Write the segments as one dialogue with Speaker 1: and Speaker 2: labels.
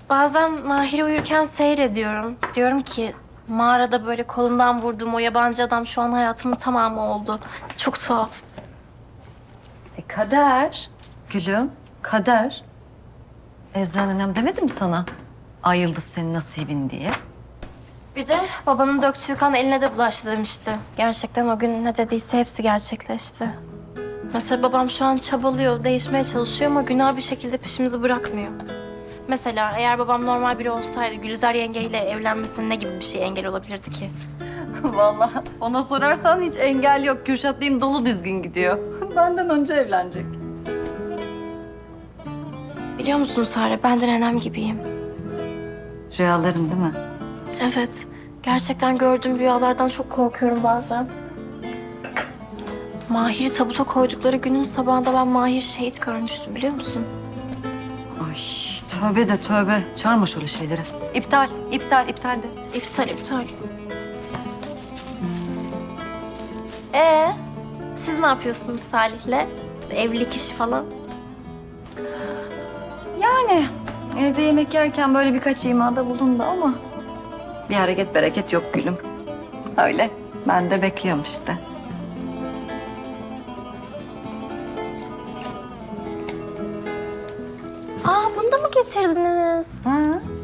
Speaker 1: Bazen Mahir'i uyurken seyrediyorum. Diyorum ki mağarada böyle kolundan vurduğum o yabancı adam şu an hayatımın tamamı oldu. Çok tuhaf.
Speaker 2: Kader. Gülüm, kader. Ezra nenem demedi mi sana? Ay yıldız senin nasibin diye.
Speaker 1: Bir de babanın döktüğü kan eline de bulaştı demişti. Gerçekten o gün ne dediyse hepsi gerçekleşti. Mesela babam şu an çabalıyor, değişmeye çalışıyor ama günah bir şekilde peşimizi bırakmıyor. Mesela eğer babam normal biri olsaydı Gülizar yengeyle evlenmesine ne gibi bir şey engel olabilirdi ki?
Speaker 2: Vallahi ona sorarsan hiç engel yok. Kürşat Bey'im dolu dizgin gidiyor. Benden önce evlenecek.
Speaker 1: Biliyor musun Sare, ben de nenem gibiyim.
Speaker 2: Rüyaların değil mi?
Speaker 1: Evet, gerçekten gördüğüm rüyalardan çok korkuyorum bazen. Mahir'i tabuta koydukları günün sabahında ben Mahir şehit görmüştüm, biliyor musun?
Speaker 2: Ay tövbe de tövbe. Çağırma şöyle şeyleri. İptal, iptal, iptal de.
Speaker 1: İptal. Siz ne yapıyorsunuz Salih'le? Evlilik işi falan.
Speaker 2: Yani evde yemek yerken böyle birkaç imada bulundu da ama... ...bir hareket bereket yok gülüm. Öyle. Ben de bekliyorum işte.
Speaker 1: Bunu da mı getirdiniz?
Speaker 2: Ha?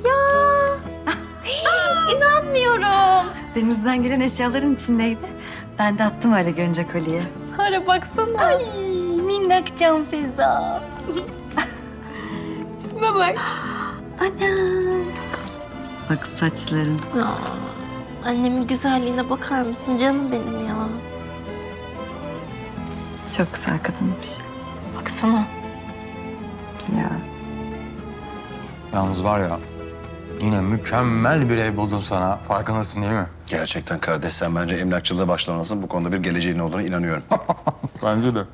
Speaker 1: İnanmıyorum.
Speaker 2: Denizden gelen eşyaların içindeydi. Ben de attım öyle görünce kolye.
Speaker 1: Sare baksana.
Speaker 2: Ay minnak can feza.
Speaker 1: Tipime bak.
Speaker 2: Anam. Bak saçların.
Speaker 1: Annemin güzelliğine bakar mısın canım benim ya?
Speaker 2: Çok güzel kadınmış.
Speaker 1: Baksana.
Speaker 2: Ya.
Speaker 3: Yalnız var ya, yine mükemmel bir ev buldum sana. Farkındasın değil mi?
Speaker 4: Gerçekten kardeş, sen bence emlakçılığa başlamalısın. Bu konuda bir geleceğin olduğuna inanıyorum.
Speaker 3: Bence de.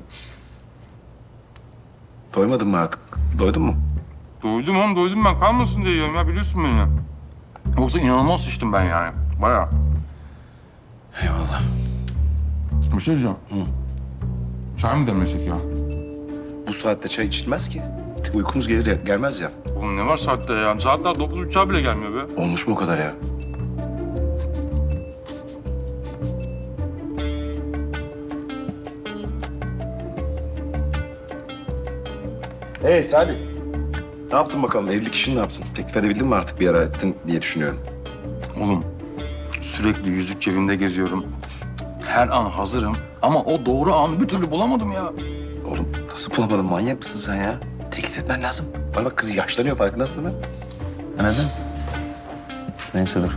Speaker 4: Doymadın mı artık? Doydun mu?
Speaker 3: Doydum oğlum, doydum ben. Kalmasın diye yiyorum ya, biliyorsun beni. Yoksa inanılmaz şiştim ben yani. Bayağı.
Speaker 4: Eyvallah.
Speaker 3: Bir şey diyeceğim. Çay mı demlesek ya?
Speaker 4: Bu saatte çay içilmez ki. Uykumuz gelir ya, gelmez ya.
Speaker 3: Oğlum ne var saatte ya? Saat daha 9.30'a bile gelmiyor be.
Speaker 4: Olmuş mu o kadar ya? Salih. Ne yaptın bakalım? Evlilik işini ne yaptın? Teklif edebildin mi artık, bir ara ettin diye düşünüyorum.
Speaker 3: Oğlum sürekli yüzük cebimde geziyorum. Her an hazırım ama o doğru anı bir türlü bulamadım ya.
Speaker 4: Oğlum nasıl bulamadın? Manyak mısın sen ya? Teklif etmen lazım. Bana bak, kız yaşlanıyor, farkındasın değil mi? Anladın? Neyse dur.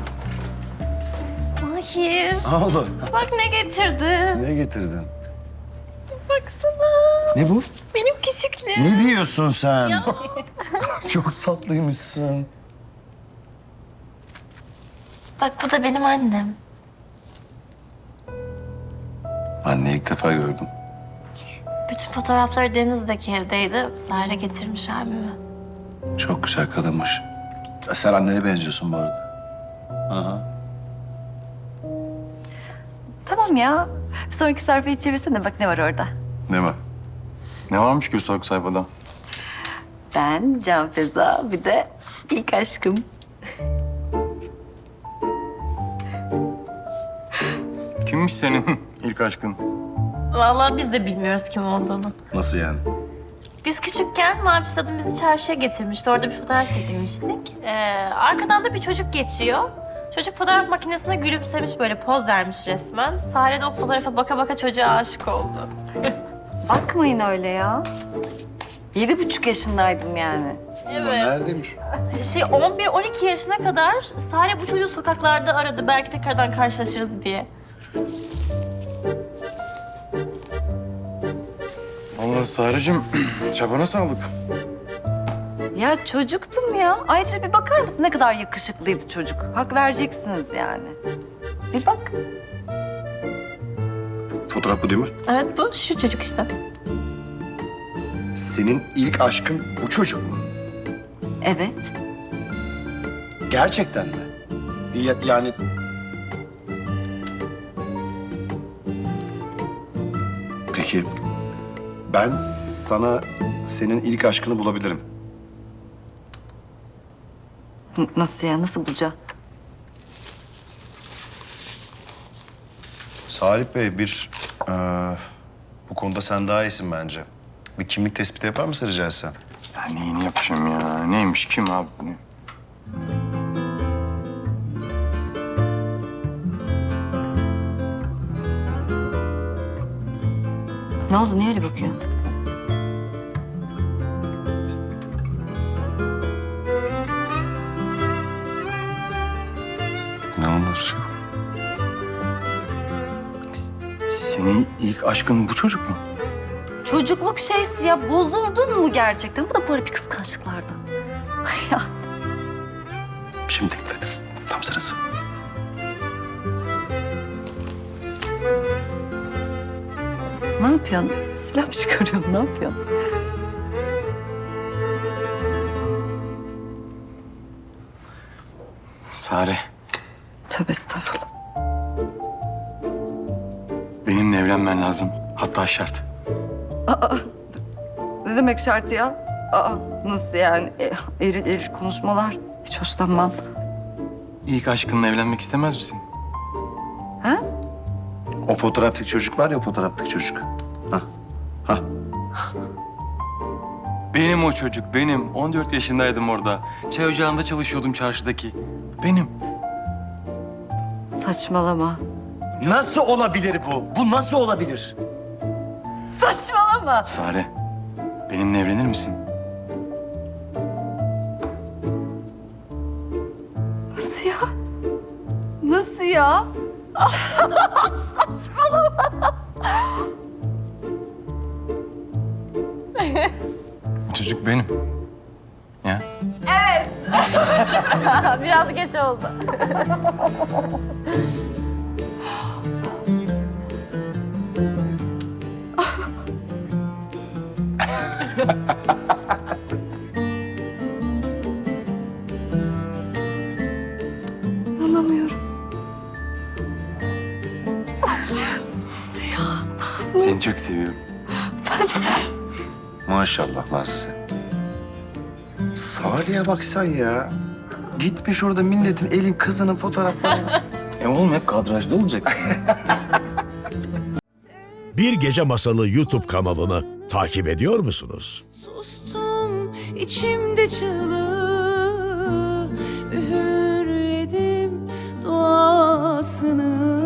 Speaker 1: Mahir.
Speaker 4: Ne oldu?
Speaker 1: Bak ne getirdim.
Speaker 4: Ne getirdin?
Speaker 1: Baksana.
Speaker 4: Ne bu?
Speaker 1: Benim küçüklüğüm.
Speaker 4: Ne diyorsun sen? Çok tatlıymışsın.
Speaker 1: Bak bu da benim annem.
Speaker 4: Anneyi ilk defa gördüm.
Speaker 1: Bütün fotoğrafları Deniz'deki evdeydi. Sare getirmiş abime.
Speaker 4: Çok güzel kadınmış. Sen annene benziyorsun bu arada. Aha.
Speaker 2: Tamam ya. Bir sonraki sayfayı çevirsene bak ne var orada.
Speaker 4: Ne var?
Speaker 3: Ne varmış ki sonraki sayfada?
Speaker 2: Ben Can Feza bir de ilk aşkım.
Speaker 3: Kimmiş senin ilk aşkın?
Speaker 1: Vallahi biz de bilmiyoruz kim olduğunu.
Speaker 4: Nasıl yani?
Speaker 1: Biz küçükken Maviş Dadım bizi çarşıya getirmişti. Orada bir fotoğraf çekilmiştik. Arkadan da bir çocuk geçiyor. Çocuk fotoğraf makinesine gülümsemiş, böyle poz vermiş resmen. Sare de o fotoğrafa baka baka çocuğa aşık oldu.
Speaker 2: Bakmayın öyle ya. 7,5 yaşındaydım yani.
Speaker 4: Neredeymiş?
Speaker 1: 11-12 yaşına kadar Sare bu çocuğu sokaklarda aradı. Belki tekrardan karşılaşırız diye.
Speaker 3: Vallahi Sarıcığım, çabana sağlık.
Speaker 2: Ya çocuktum ya. Ayrıca bir bakar mısın ne kadar yakışıklıydı çocuk. Hak vereceksiniz yani. Bir bak.
Speaker 4: Fotoğraf bu değil mi?
Speaker 1: Evet bu şu çocuk işte.
Speaker 4: Senin ilk aşkın bu çocuk mu?
Speaker 2: Evet.
Speaker 4: Gerçekten mi? Yani... Peki, ben sana senin ilk aşkını bulabilirim.
Speaker 2: Nasıl ya? Nasıl bulacaksın?
Speaker 5: Salih Bey bu konuda sen daha iyisin bence. Bir kimlik tespiti yapar mısın rica etsem?
Speaker 3: Ya neyini yapacağım ya? Neymiş kim abi bu?
Speaker 2: Ne oldu? Niye öyle bakıyorsun?
Speaker 5: Ne olur?
Speaker 3: Senin ilk aşkın bu çocuk mu?
Speaker 2: Çocukluk şeysi ya. Bozuldun mu gerçekten? Bu da böyle bir kıskançlıklardan. Ya
Speaker 4: Şimdi teklif et. Tam sırası.
Speaker 2: ne yapıyorsun? Silah mı çıkarıyorsun? Ne yapıyorsun?
Speaker 3: Sare,
Speaker 2: Tövbe estağfurullah.
Speaker 3: benimle evlenmen lazım. Hatta şart.
Speaker 2: Ne demek şart ya? Nasıl yani? Eril eril konuşmalar. Hiç hoşlanmam.
Speaker 3: İlk aşkınla evlenmek istemez misin?
Speaker 2: Ha?
Speaker 4: O fotoğraftaki çocuk var ya, o fotoğraftaki çocuk.
Speaker 3: Benim o çocuk, benim. 14 yaşındaydım orada. Çay ocağında çalışıyordum çarşıdaki. Benim.
Speaker 2: Saçmalama.
Speaker 4: Nasıl olabilir bu? Bu nasıl olabilir?
Speaker 2: Saçmalama.
Speaker 3: Sare, benimle evlenir misin?
Speaker 2: Nasıl ya? Nasıl ya?
Speaker 3: O çocuk benim. Ya.
Speaker 1: Biraz geç oldu.
Speaker 2: İnanamıyorum.
Speaker 3: Seni çok seviyorum.
Speaker 4: Maşallah lan size. Salih'e bak sen ya. Gitmiş orada milletin elin kızının fotoğraflarını.
Speaker 3: Oğlum hep kadrajda olacaksın.
Speaker 6: Bir Gece Masalı YouTube kanalını takip ediyor musunuz?
Speaker 7: Sustum içimde çığlığı, üğürledim duasını.